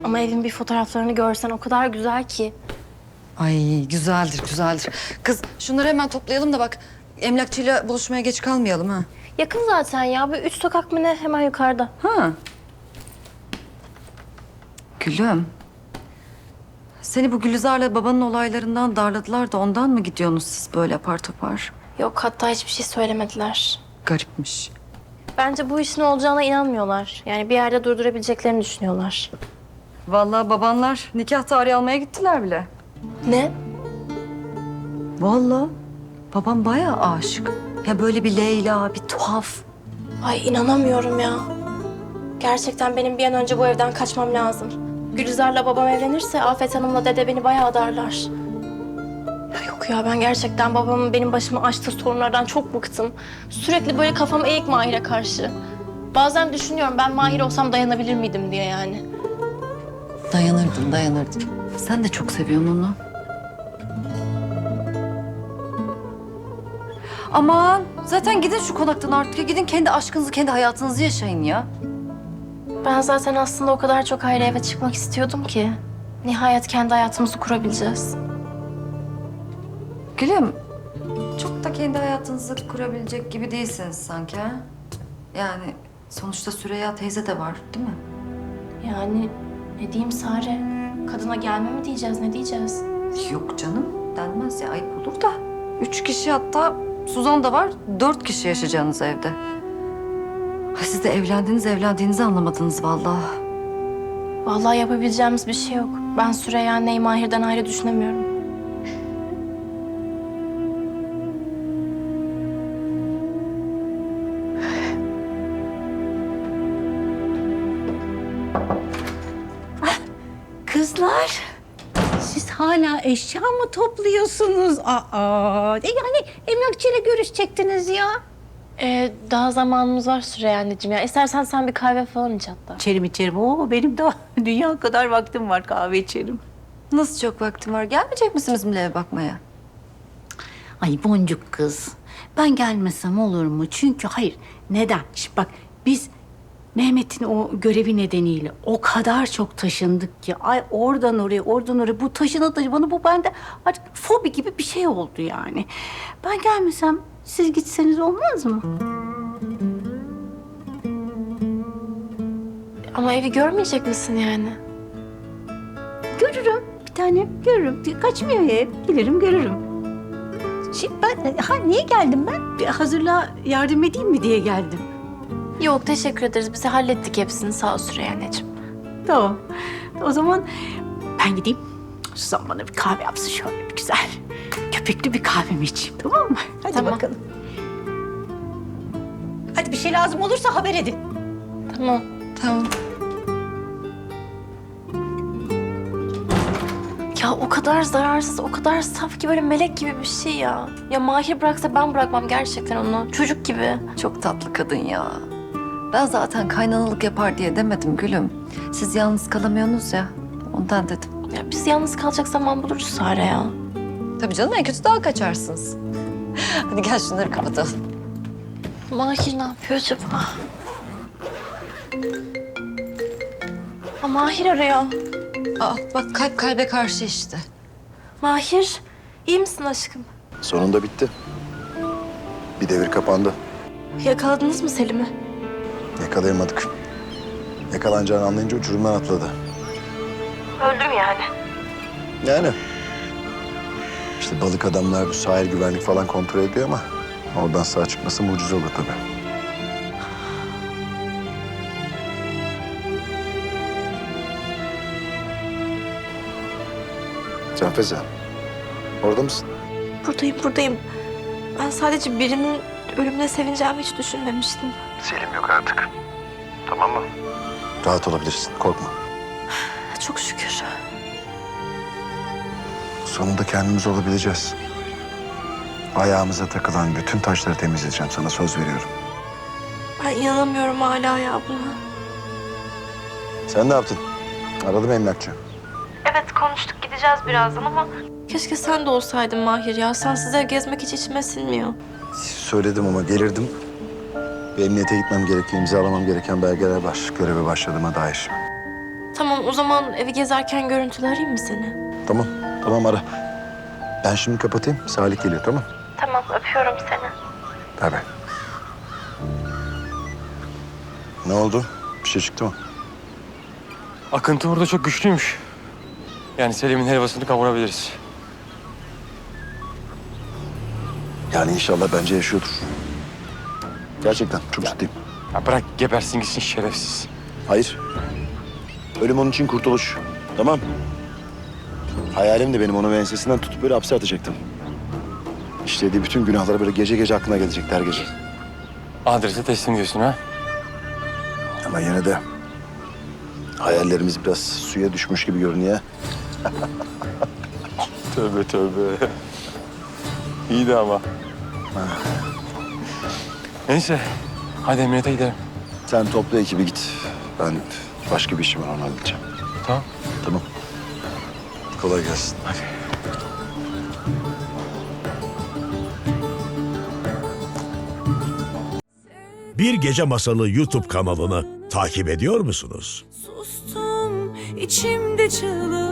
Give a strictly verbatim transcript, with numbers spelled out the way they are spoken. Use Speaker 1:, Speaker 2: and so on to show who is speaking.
Speaker 1: Ama evin bir fotoğraflarını görsen o kadar güzel ki.
Speaker 2: Ay güzeldir, güzeldir. Kız şunları hemen toplayalım da bak emlakçıyla buluşmaya geç kalmayalım ha.
Speaker 1: Yakın zaten ya. Bir üç sokak mı ne hemen yukarıda.
Speaker 2: Ha. Gülüm. Seni bu Gülizar'la babanın olaylarından darladılar da ondan mı gidiyorsunuz siz böyle apar topar?
Speaker 1: Yok hatta hiçbir şey söylemediler.
Speaker 2: Garipmiş.
Speaker 1: Bence bu işin olacağına inanmıyorlar. Yani bir yerde durdurabileceklerini düşünüyorlar.
Speaker 2: Vallahi babanlar nikah tarihi almaya gittiler bile.
Speaker 1: Ne?
Speaker 2: Vallahi babam bayağı aşık. Ya böyle bir Leyla, bir tuhaf.
Speaker 1: Ay inanamıyorum ya. Gerçekten benim bir an önce bu evden kaçmam lazım. Gülizar'la babam evlenirse Afet Hanım'la dede beni bayağı darlar. Ya yok ya ben gerçekten babamın benim başıma açtığı sorunlardan çok bıktım. Sürekli böyle kafam eğik Mahir'e karşı. Bazen düşünüyorum ben Mahir olsam dayanabilir miydim diye yani.
Speaker 2: Dayanırdın, dayanırdın. Sen de çok seviyorsun onu. Aman zaten gidin şu konaktan artık. Ya. Gidin kendi aşkınızı, kendi hayatınızı yaşayın ya.
Speaker 1: Ben zaten aslında o kadar çok ayrı eve çıkmak istiyordum ki. Nihayet kendi hayatımızı kurabileceğiz.
Speaker 2: Gülüm, çok da kendi hayatınızı kurabilecek gibi değilsiniz sanki ha? Yani sonuçta Süreyya teyze de var değil mi?
Speaker 1: Yani ne diyeyim Sare? Kadına gelme mi diyeceğiz, ne diyeceğiz?
Speaker 2: Yok canım, denmez ya ayıp olur da. Üç kişi hatta Suzan da var, dört kişi yaşayacağınız evde. Ha, siz de evlendiniz, evlendiğinizi anlamadınız vallahi.
Speaker 1: Vallahi yapabileceğimiz bir şey yok. Ben Süreyya anneyi Mahir'den ayrı düşünemiyorum.
Speaker 3: Kızlar, siz hala eşya mı topluyorsunuz? Aa, e yani emlakçıyla görüşecektiniz ya.
Speaker 1: Ee, daha zamanımız var Süreyya anneciğim ya. İstersen sen bir kahve falan iç hatta.
Speaker 3: İçerim içerim. Oo, benim daha dünya kadar vaktim var, kahve içerim.
Speaker 2: Nasıl çok vaktim var? Gelmeyecek misiniz bile eve bakmaya?
Speaker 3: Ay boncuk kız, ben gelmesem olur mu? Çünkü hayır, neden? Şimdi bak biz Mehmet'in o görevi nedeniyle o kadar çok taşındık ki. Ay oradan oraya, oradan oraya. Bu taşına taşı, bana bu bende artık fobi gibi bir şey oldu yani. Ben gelmesem siz gitseniz olmaz mı?
Speaker 1: Ama evi görmeyecek misin yani?
Speaker 3: Görürüm bir tanem, görürüm. Kaçmıyor ev, gelirim görürüm. Şimdi ben, ha niye geldim ben? Bir hazırlığa yardım edeyim mi diye geldim.
Speaker 1: Yok teşekkür ederiz. Biz hallettik hepsini sağ ol Süreyya anneciğim.
Speaker 3: Tamam. O zaman ben gideyim. Suzan bana bir kahve yapsın şöyle bir güzel. Köpüklü bir kahvemi içeyim, tamam mı? Hadi
Speaker 1: Tamam.
Speaker 3: bakalım. Hadi bir şey lazım olursa haber edin.
Speaker 1: Tamam.
Speaker 2: Tamam.
Speaker 1: Ya o kadar zararsız, o kadar saf ki böyle melek gibi bir şey ya. Ya Mahir bıraksa ben bırakmam gerçekten onu. Çocuk gibi.
Speaker 2: Çok tatlı kadın ya. Ben zaten kaynanalık yapar diye demedim Gülüm. Siz yalnız kalamıyorsunuz ya. Ondan dedim.
Speaker 1: Ya biz yalnız kalacak zaman buluruz Sare ya.
Speaker 2: Tabii canım en kötü daha kaçarsınız. Hadi gel şunları kapatalım.
Speaker 1: Mahir ne yapıyor acaba? Ha, Mahir arıyor.
Speaker 2: Aa, bak kalp kalbe karşı işte.
Speaker 1: Mahir, iyi misin aşkım?
Speaker 4: Sonunda bitti. Bir devir kapandı.
Speaker 1: Yakaladınız mı Selim'i?
Speaker 4: Yakalayamadık. Yakalanacağını anlayınca uçurumdan atladı.
Speaker 1: Öldüm yani.
Speaker 4: Yani. İşte balık adamlar bu sahil güvenlik falan kontrol ediyor ama oradan sağ çıkması mucize olur tabii. Canfeze, orada mısın?
Speaker 1: Buradayım, buradayım. Ben sadece birinin ölümüne sevineceğimi hiç düşünmemiştim.
Speaker 4: Selim yok artık. Tamam mı? Rahat olabilirsin, korkma.
Speaker 1: Çok şükür.
Speaker 4: Sonunda kendimiz olabileceğiz. Ayağımıza takılan bütün taşları temizleyeceğim, sana söz veriyorum.
Speaker 1: Ben inanamıyorum hala ya buna.
Speaker 4: Sen ne yaptın? Aradım emlakçı.
Speaker 1: Evet konuştuk gideceğiz birazdan ama... Keşke sen de olsaydın Mahir ya. Sensiz ev gezmek hiç içime sinmiyor.
Speaker 4: Söyledim ama gelirdim. Bir emniyete gitmem gerekiyor, imzalamam gereken belgeler var. Göreve başladığıma dair.
Speaker 1: Tamam, o zaman evi gezerken görüntülü arayayım mı seni?
Speaker 4: Tamam, tamam ara. Ben şimdi kapatayım. Salih geliyor, tamam?
Speaker 1: Tamam, öpüyorum seni.
Speaker 4: Bay bay. Ne oldu? Bir şey çıktı mı?
Speaker 5: Akıntı burada çok güçlüymüş. Yani Selim'in helvasını kavurabiliriz.
Speaker 4: Yani inşallah bence yaşıyordur. Gerçekten çok ciddiyim.
Speaker 5: Ya bırak gebersin gitsin şerefsiz.
Speaker 4: Hayır. Ölüm onun için kurtuluş. Tamam. Hayalim de benim onu ensesinden tutup böyle hapse atacaktım. İşlediği bütün günahları böyle gece gece aklına gelecekti her gece.
Speaker 5: Adrese teslim diyorsun ha?
Speaker 4: Ama yine de hayallerimiz biraz suya düşmüş gibi görünüyor.
Speaker 5: Tövbe tövbe. İyiydi ama. Neyse. Hadi emniyete gidelim.
Speaker 4: Sen topla ekibi git. Ben başka bir işim var, onu halledeceğim.
Speaker 5: Tamam.
Speaker 4: Tamam. Kolay gelsin. Hadi.
Speaker 6: Bir Gece Masalı YouTube kanalını takip ediyor musunuz?
Speaker 7: Sustum içimde çığlık.